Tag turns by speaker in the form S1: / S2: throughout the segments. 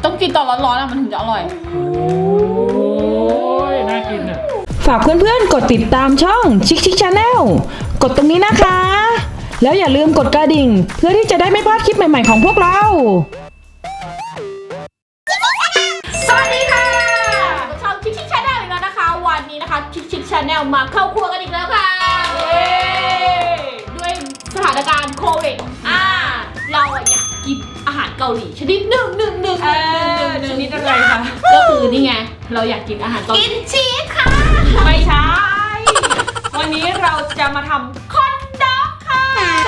S1: ต้องกินตอนร้อนๆอะมันถึงจะอร่อย
S2: โอ้ยน่ากินอ่ะ
S3: ฝากเพื่อนๆกดติดตามช่องชิคชิคชาแนลกดตรงนี้นะคะ แล้วอย่าลืมกดกระดิ่งเพื่อที่จะได้ไม่พลาดคลิปใหม่ๆของพวกเรา
S1: สวัสดีค่ะช่องชิคชิคชาแนลอีกแล้วนะคะวันนี้นะคะชิคชิคชาแนลมาเข้าครัวกันอีกแล้วค่ะด้วยสถานการณ์โควิดเราอยากกินอาหารเกาหลีชนิดหนึ่งชนิดอะไรคะก็คือนี่ไงเราอยากกินอาหารเกาหลีกินชีสค่ะไม่ใช่วันนี้เราจะมาทำคอนด็อกค่ะ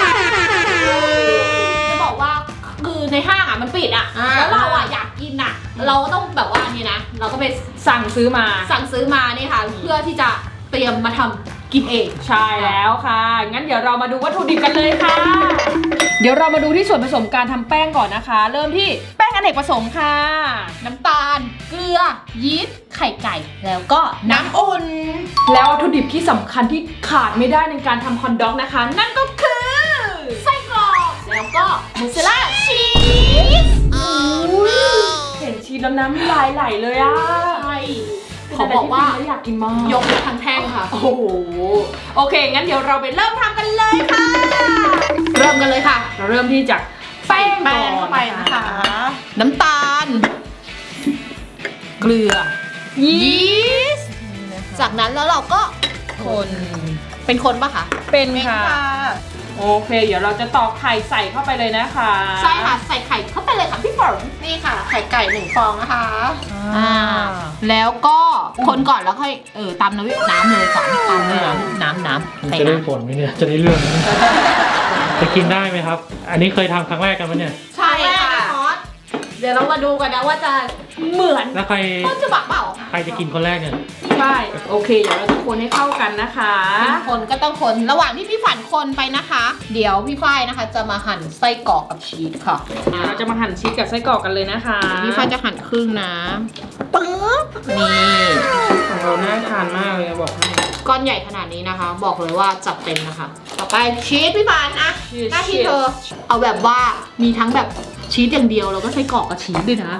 S1: จะบอกว่าคือในห้างมันปิดแล้วเราอยากกินเราก็ต้องแบบว่านี่นะเราก็ไปสั่งซื้อมานี่ค่ะเพื่อที่จะเตรียมมาทำกินเองใช่แล้วค่ะงั้นเดี๋ยวเรามาดูวัตถุดิบกันเลยค่ะเดี๋ยวเรามาดูที่ส่วนผสมการทำแป้งก่อนนะคะ เริ่มที่แป้งอเนกประสงค์ค่ะน้ำตาลเกลือยีสต์ไข่ไก่แล้วก็น้ำอุ่นแล้ววัตถุดิบที่สำคัญที่ขาดไม่ได้ในการทำคอนด็อกนะคะนั่นก็คือไส้กรอกแล้วก็มอสซาเรลล่าชีสเห็นชีสแล้วน้ำลายไหลเลยใช่ขอบอกว่าอยากกินมากยกทั้งแท่งค่ะโอ้โหโอเคงั้นเดี๋ยวเราไปเริ่มทำกันเลยค่ะเริ่มกันเลยค่ะเราเริ่มที่จากแป้งก่อนเข้าไปนะคะน้ำตาลเกลือยีสต์จากนั้นแล้วเราก็คนเป็นคนปะคะเป็นค่ะโอเคเดี๋ยวเราจะตอกไข่ใส่เข้าไปเลยนะคะใช่ค่ะใส่ไข่เข้าไปเลยค่ะพี่ฝนนี่ค่ะไข่ไก่1 ฟองนะคะแล้วก็คนก่อนแล้วค่อยตามน้ำเลยก่อนตามเลยน้ำ
S2: จะได้ผลไหมเนี่ยจะได้เรื่องไหมจะกินได้ไหมครับอันนี้เคยทำครั้งแรกกันไหมเนี่ย
S1: ใช่ค่ะเดี๋ยวเรามาดูกันนะว่าจะเหมือน
S2: แล้วใคร
S1: ต้นฉบับเปล่า
S2: ใครจะกินคนแรกเนี่ย
S1: ใช่โอเคเดี๋ยวเราจะคนให้เข้ากันนะคะคนก็ต้องคนระหว่างที่พี่ฝันคนไปนะคะเดี๋ยวพี่ฝ้ายนะคะจะมาหั่นไส้กรอกกับชีสค่ะเราจะมาหั่นชีสกับไส้กรอกกันเลยนะคะพี่ฝ้ายจะหั่นครึ่งนะปึ๊บนี่ของเราน่าทานมากเลยบอกให้ก้อนใหญ่ขนาดนี้นะคะบอกเลยว่าจัดเต็มนะคะต่อไปชีสพี่ฝันนะหน้าที่เธอเอาแบบว่ามีทั้งแบบชีสอย่างเดียวแล้วก็ไส้กรอกกับชีสด้วยนะ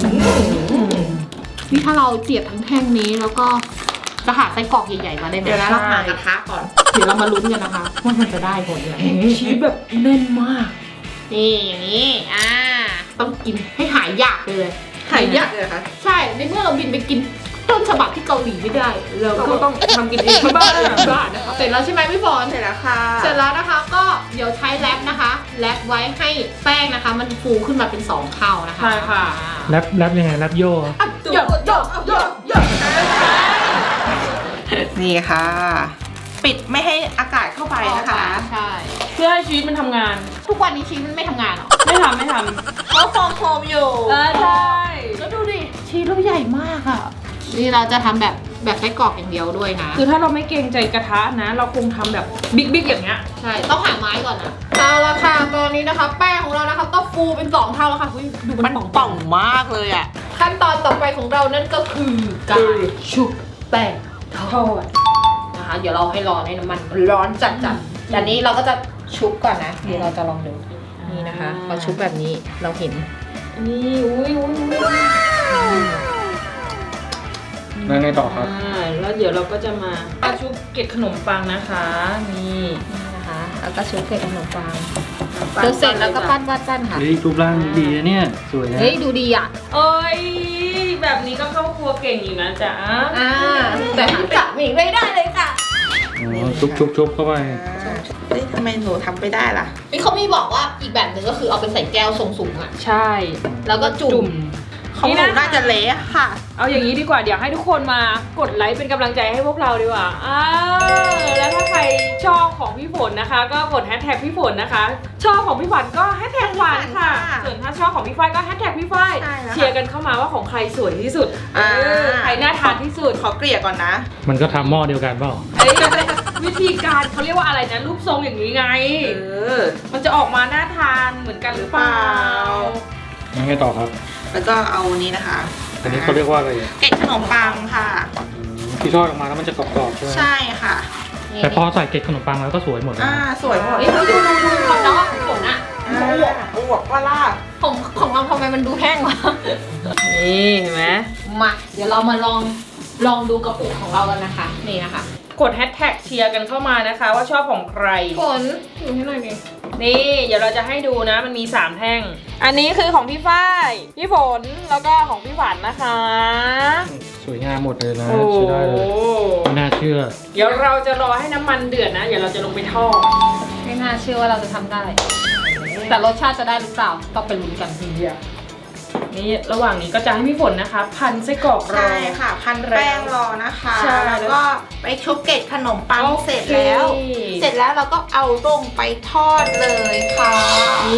S1: นี่ถ้าเราเสียบทั้งแท่งนี้แล้วก็จะหาไส้กรอกใหญ่ๆมาได้ไหมเดี๋ยวเราหากระทะก่อนเดี๋ยวเรามาลุ้นกันนะคะว่ามันจะได้ผลยังไงชีสแบบแน่นมากนี่อย่างนี้ต้องกินให้หายยากเลยหายยากเลยค่ะใช่ในเมื่อเราบินไปกินต้นฉบับที่เกาหลีไม่ได้เราก็ต้องทำกินเองที่บ้านนะคะเสร็จแล้วใช่ไหมพี่ฝนเสร็จแล้วค่ะเสร็จแล้วนะคะก็เดี๋ยวใช้แรปนะคะแรปไว้ให้แป้งนะคะมันฟูขึ้นมาเป็น2 เท่านะคะใช่ค่ะ
S2: แรปยังไงแรปโย่
S1: โย
S4: นี่ค่ะ ปิดไม่ให้อากาศเข้าไปนะคะ
S1: ใช่เพื่อให้ชีสมันทำงานทุกวันนี้ชีสมันไม่ทำงานหรอไม่ทำ
S4: เพราะฟองโฟมอยู่
S1: ใช่แล้วดูดิชีสเราใหญ่มากอ่ะนี่เราจะทำแบบไส้กรอกอย่างเดียวด้วยนะคือถ้าเราไม่เกรงใจกระทะนะเราคงทำแบบบิ๊กอย่างเงี้ยใช่ต้องหาไม้ก่อนนะเอาละค่ะตอนนี้นะคะแป้งของเรานะคะก็ฟูเป็น2 เท่าแล้วค่ะดูมัน
S4: ป่องมากเลยอ่ะ
S1: ขั้นตอนต่อไปของเรานั่นก็คือการชุบแป้งทอดนะคะเดี๋ยวเราให้ร้อนให้น้ำมันร้อนจัดแต่นี้เราก็จะชุบก่อนนะเดี๋ยวเราจะลองดูนี่นะคะพอชุบแบบนี้เราเห็นนี่อุ้ย
S2: แล้วไงต่อครับ
S1: แล้วเดี๋ยวเราก็จะมาชุบเกล็ดขนมปังนะคะนี่นะคะแล้วก็ชุบเกล็ดขนมปังเสร็จแล้วก็ปั้นค่ะ
S2: รูปร่างดีนะเนี่ยสวยนะ
S1: เฮ้ยดูดีอ่ะเอ้ยแบบนี้ก็เข้าครัวเก่งอยู่นะจ๊ะแต่กะหมี่ไม่ได้เลยค่ะ
S2: ชุบเข้าไป
S4: ทำไมหนูทำไม่ได้ล่ะ
S1: นี่เขามีบอกว่าอีกแบบหนึ่งก็คือเอาไปใส่แก้วทรงสูงอ่ะใช่แล้วก็จุ่ม
S4: ของหนูน่าจะเละค่ะ
S1: เอาอย่างนี้ดีกว่าเดี๋ยวให้ทุกคนมากดไลค์เป็นกำลังใจให้พวกเราดีกว่าแล้วถ้าใครชอบของพี่ฝนนะคะก็กดแฮชแท็กพี่ฝนนะคะชอบของพี่ฝันก็แฮชแท็กฝันค่ะส่วนถ้าชอบของพี่ฝ้ายก็แฮชแท็กพี่ฝ้ายเชียร์กันเข้ามาว่าของใครสวยที่สุดใครน่าทานที่สุด
S4: ขอเกลี่ยก่อนนะ
S2: มันก็ทำหม้อเดียวกันเปล่า
S1: วิธีการเขาเรียกว่าอะไรนะรูปทรงอย่างนี้ไงมันจะออกมาน่าทานเหมือนกันหรือเปล่า
S2: ยังไงต่อครับ
S4: แล้วก็เอานี้นะคะ
S2: อันนี้เขาเรียกว่าอะไร
S4: เกล็ดขนมปังค่ะ
S2: ที่ทอดออกมาแล้วมันจะกรอบๆใช่ไหม
S4: ใช่ค่ะ
S2: แต่พอใส่เกล็ดขนมปังแล้วก็สวยหมดเลย
S4: สวยหมด
S1: ดูคอนด็อกฝนอ่ะ
S4: อวบว่าล่ะ
S1: ของเราทำไมมันดูแห้งวะ
S3: นี่เห็นไหม
S1: มาเดี๋ยวเรามาลองดูกระปุกของเรากันนะคะนี่นะคะ
S3: กดแฮชแท็กเชียร์กันเข้ามานะคะว่าชอบของใคร
S1: ฝนอยู่ให้หน่อยดิ
S3: นี่เดี๋ยวเราจะให้ดูนะมันมี3แท่งอันนี้คือของพี่ฝ้ายพี่ฝนแล้วก็ของพี่ฝันนะคะ
S2: สวยงามหมดเลยนะ
S3: โอ้
S2: ใช้ได้เลยไม่น่าเชื่อ
S3: เดี๋ยวเราจะรอให้น้ำมันเดือดนะเดี๋ยวเราจะลงไปทอด
S1: ไม่น่าเชื่อว่าเราจะทำได้ แต่รสชาติจะได้หรือเปล่าต้องไปลุ้นกัน
S3: นี่ระหว่างนี้ก็จะให้พี่ฝนนะคะ พันไส้กรอกรอ
S4: ใช่ค่ะ พันแป้งรอนะคะ
S3: ใช่
S4: แล้วก็ไปชุบเกล็ดขนมปัง
S3: โอเค
S4: เสร็จแล้ว เสร็จแล้วเราก็เอาลงไปทอดเลยค่ะ
S3: นี่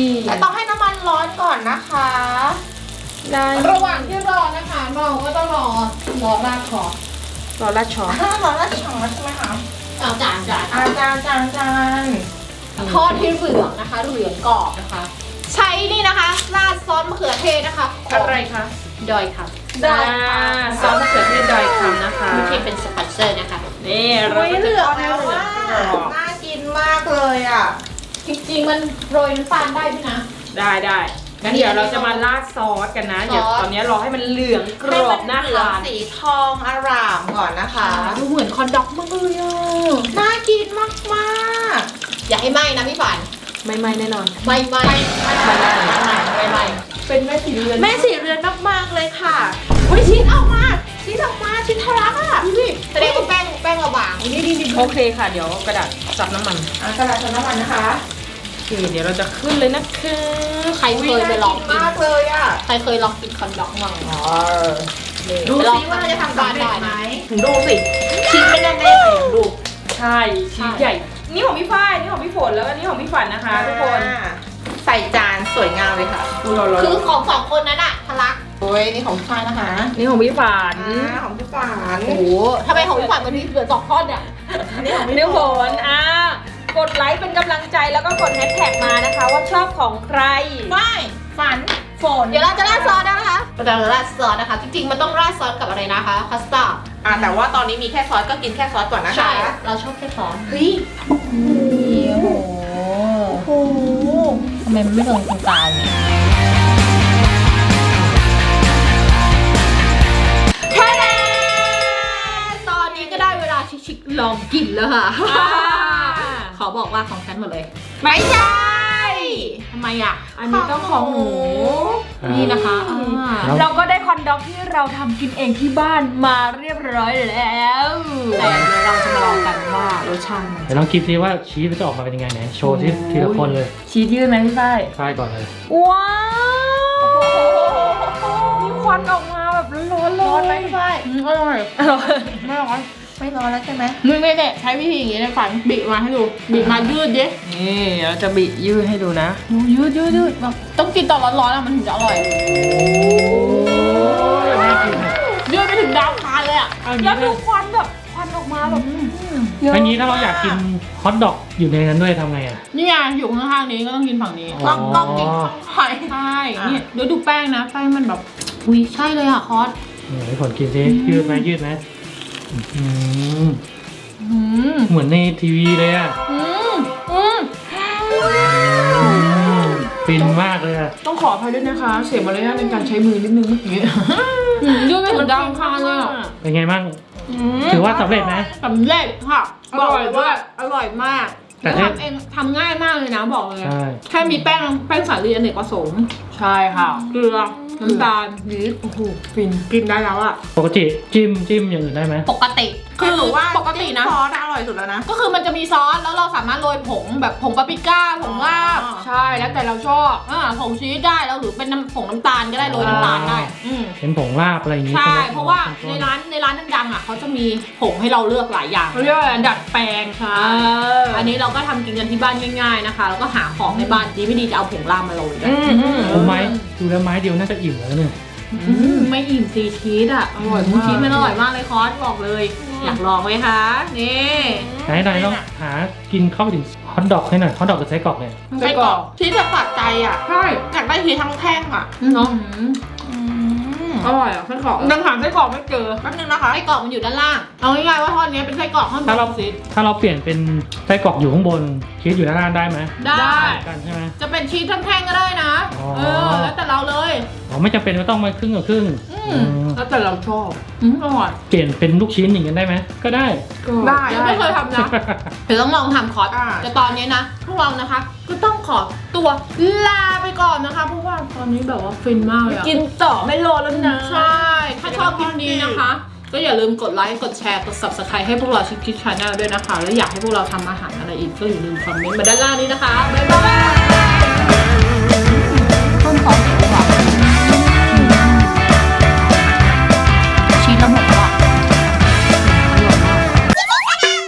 S4: แต่ต้องให้น้ำมันร้อนก่อนนะคะ
S3: ได้
S1: ระหว่างที่รอนะคะเราก็ต้องรอราดคอ
S3: รอราดช้อน
S4: ร้อนแล้วฉ่ำแล้วใช่ไหมคะ
S1: เอาจาน
S4: จาน
S1: ทอดที่เหลืองนะคะเหลืองกรอบนะคะ ใช้นี่นะคะราดซอสมะเขือเทศนะคะของ
S3: อะไรคะ
S1: ดอยค่ะ
S3: ซอสมะเขือเทศดอยคำนะคะ
S1: ไม่ใช่เป็นสปอนเซอร์นะคะ
S3: นี่เรา
S4: อุ้ย
S3: ก็
S4: เห
S3: จะ
S4: ลือง
S3: ทอดให้
S4: แล้ว
S3: เหลือ
S4: ว่าง
S3: กรอบ
S4: น่ากินมากเลยอ่ะ
S1: จริงๆมันโรยน้ำตาลได้ด้วยนะ
S3: ได้งั้นเดี๋ยวเราจะมาราดซอสกันนะ เดี๋ยวตอนนี้รอให้มันเหลืองกรอบน่า
S4: ให้มันเหลือง
S3: ทาน
S4: สีทองอร่ามก่อนนะคะ
S1: ดูเหมือนคอนด็อกมากเลยอ่ะ
S4: น่ากินมาก
S1: อย่าให้ไหม้นะพี่ฝัน
S3: ไม่แน่นอน
S1: ไม่
S4: ๆไม่
S1: เป็นแม่สีเรือน
S4: แม่สีเรือนมากๆเลยค่ะอุ้ยชิ้นออกมาชิ้นทะลักอ่ะ
S1: นี่แสดงว่าแป้งเราบางนี่
S3: โอเคค่ะ เดี๋ยวกระดาษซับน้ำมัน
S4: กระดาษชนน้ำมันนะคะ
S3: โอเคเดี๋ยวเราจะขึ้นเลยนะคะ
S1: ใครเคยไปลองกิน
S4: มากเลยอ่ะ
S1: ใครเคยลองกินคอนด็อกมั้ง
S4: ดูซิว่าเราจะทำสำเร็จไหม
S3: ถึงดูสิ
S4: ชิ้นเป็นยังไงไหนดู
S3: ใช่ชิ้นใหญ่ นี่ของพี่ฝ้ายนี่ของพี่ฝนแล้วก็นี่ของพี่ฝันนะคะ ทุกคน
S4: ใส่จานสวยงามเลยค่ะ
S1: คือของสองคนนั้นอะทะลัก
S4: โอ้ยนี่ของพี่ชายนะคะ
S3: นี่ของพี่ฝัน
S4: ของพี่ฝาน
S1: โอ้โหทำไมของพี่ฝันมันมีเหลือ2ท่อนเนี่ย
S4: นี่ของ
S3: พี่
S4: พี่
S3: ฝนกดไลค์เป็นกำลังใจแล้วก็กดแฮชแท็กมานะคะ ว่าชอบของใคร
S4: ไม่ฝันฝน
S1: เดี๋ยวเราจะราดซอสนะคะเราจะราดซอสนะคะ จริงๆมันต้องราดซอสกับอะไรนะคะคัสตาร์ด
S4: แต่ว่าตอนนี้มีแค่ซอสก็กินแค่ซอสก่อนนะคะ
S1: ใช่เราชอบแค่ซอส
S4: เฮ้ย
S1: โอ้โหทำไมมันไม่ลงตรงกลางเนี่ยแค่นั้นตอนนี้ก็ได้เวลาชิคๆลองกินแล้วค่ะ ขอบอกว่าของฉันหมดเลย
S3: ไม่ใช่
S1: ทำไมอ่ะ
S3: อันนี้ต้องของหนู
S1: นี่นะคะ
S2: ครับ
S3: เราก็ได้คอนด็อกที่เราทำกินเองที่บ้านมาเรียบร้อยแล้ว
S1: แต่เดี๋ยวเราจะมาลองกันว่ารสชาติมัน
S2: เดี๋ยวลองคิดซิว่าชีสมันจะออกมาเป็นยังไงไหนโชว์ที่ทีละคนเลย
S3: ชีสยืดไหมพี่ฝ้าย
S2: ฝ้ายก่อนเลย
S3: ว้าวมีควันออกมาแบบร้อนๆเลย
S4: ร้อนไหมพี่ฝ้าย
S1: อร่อย
S4: ไม่ร้อนไม่ร้อนแล้วใช่ไหม
S1: มึงไม่ได้ใช้วิธีอย่างนี้ในฝันบีบมาให้ดูบีบมายืดดิ
S3: นี่เราจะบิยืดให้ดูนะ
S1: ยืดแบบต้องกินตอนร้อนๆอะมันถึงจะอร่อย
S2: น่ากินอะ
S1: ยืดไปถึงดาวคานเลยอ่ะ
S2: เอา
S3: แล้
S2: งี้
S3: วดูควันแบบควันออกมาแบบเยอะ
S2: อันนี้ถ้าเราอยากกินฮอทดอกอยู่ในนั้นด้วยทำไงอ่ะ
S1: นี่ไงอยู่ข้างๆนี้ก็ต้องกินฝั่งนี้
S2: อ๋อ
S4: ต้องกินไข่
S1: ใช่นี่เดี๋ยวดูแป้งนะแป้งมันแบบอุ้ยใช่เลยอ่ะคอส
S2: ให้ผลกินซิยืดไหมอืม
S1: อืม
S2: เหมือนในทีวีเลยอ่ะ
S1: อืม
S2: ฟินมากเลยอ่ะ
S3: ต้องขออภัยด้วยนะคะ เสียมารยาทในการใช้มือนิดนึงเมื่อกี้
S1: ยืดไปถึงดาวคานเลยอ่ะ
S2: เป็นไงบ้างถือว่าสำเร็จไหม
S1: สำเร็จค่ะ
S3: อร่อย
S1: บกเลว่าอร่อยมาก
S2: แต่
S1: แล้ว
S2: ถ้า
S1: ทำเองทำง่ายมากเลยนะบอกเลย
S2: ใช่
S1: แค่มีแป้งสาลีอเนกประสงค์
S3: ใช่ค่ะ
S1: เกลือน้ำตาลยีสต์โอ้โหฟินกินได้แล้วอะ
S2: ปกติจิ้มอย่างอื่นได้ไหม
S1: ปกติ
S4: คือหนูว่า
S1: ปกตินะ
S4: ซอสอร่อยสุดแล้วนะ
S1: ก็คือมันจะมีซอสแล้วเราสามารถโรยผงแบบผงปาปริก้าผงลาบ
S3: ใช่แล้วแต่เราชอบ
S1: ผงชีสได้แล้วหรือเป็นผงน้ำตาลก็ได้โรยน้ำตาลได้อืม
S2: เป็นผงลาบอะไรอย่างงี้
S1: ใช่
S2: ไหม
S1: เพราะว่าในร้านดังๆอ่ะเขาจะมีผงให้เราเลือกหลายอย่าง
S3: เขาเรียกว่าดัดแปลงค่ะ
S1: อันนี้เราก็ทำกินกันที่บ้านง่ายๆนะคะ แล้วก็หาของในบ้านดีไม่ดีจะเอาผงลาบมาโรยกัน
S2: ผมไม้ดูแล้วไม้เดียวน่าจะอิ่มแล้วเนี่ย
S1: ไม่อิ่มซีชีสอ่ะอร่อยมากชีสมันอร่อยมากเลยคอสบอกเลย อยากลองไหมคะนี่
S2: ไหนต้องหากินเข้าไปถึงฮอทดอกให้หน่อยฮอทดอกกับไส้กรอกเนี่ย
S4: ไส้กรอกชีสแบบสะใจอ่ะ
S1: ใช่
S4: อยากได้ชีสทั้งแท่งอ่ะ
S1: เนาะ
S4: อืมอร่อยอ่ะไส้กรอก
S1: ยังหาไส้กรอกไม่เจอ
S4: แป๊บนึงนะคะ
S1: ไส้กรอกมันอยู่ด้านล่างเอาง่ายๆว่าท่อนนี้เป็นไส้กรอกท่อนบ
S2: ถ้าเรา
S1: นซีด
S2: ถ้าเราเปลี่ยนเป็นไส้กรอกอยู่ข้างบนชีสอยู่ด้านล่างได้ไหม
S1: ได้
S2: กันใช่ไหม
S1: จะเป็นชีสแท่งๆก็ได้นะ
S2: อ๋อ
S1: แล้วแต่เราเลย
S2: อ๋อไม่จำเป็นว่าต้องมาครึ่งกับครึ่ง
S4: แล้วแต่เราชอบ
S1: อร่อย
S2: เปลี่ยนเป็นลูกชิ้นอย่างนั้นได้ไหมก็ได้
S4: ได้
S1: ยังไม่เคยทำนะ เดี๋ยวต้องลองทำคอร์ส
S4: อ่า
S1: แต่ตอนนี้นะพวกเรานะคะก็ต้องขอตัวลาไปก่อนนะคะเพราะว่าตอนนี้แบบว่าฟินมากเลยอะ
S4: กินต่อไม่รอแล้วนะ
S1: ใช่ ถ้าชอบคลิปนี้นะคะ ก็อย่าลืมกดไลค์ กดแชร์ กด subscribe ให้พวกเราชิคกี้ชาแนลด้วยนะคะ แล้วอยากให้พวกเราทำอาหารอะไรอีกก็อย่าลืมคอมเมนต์มาด้านล่างนี้นะคะ บ๊ายบาย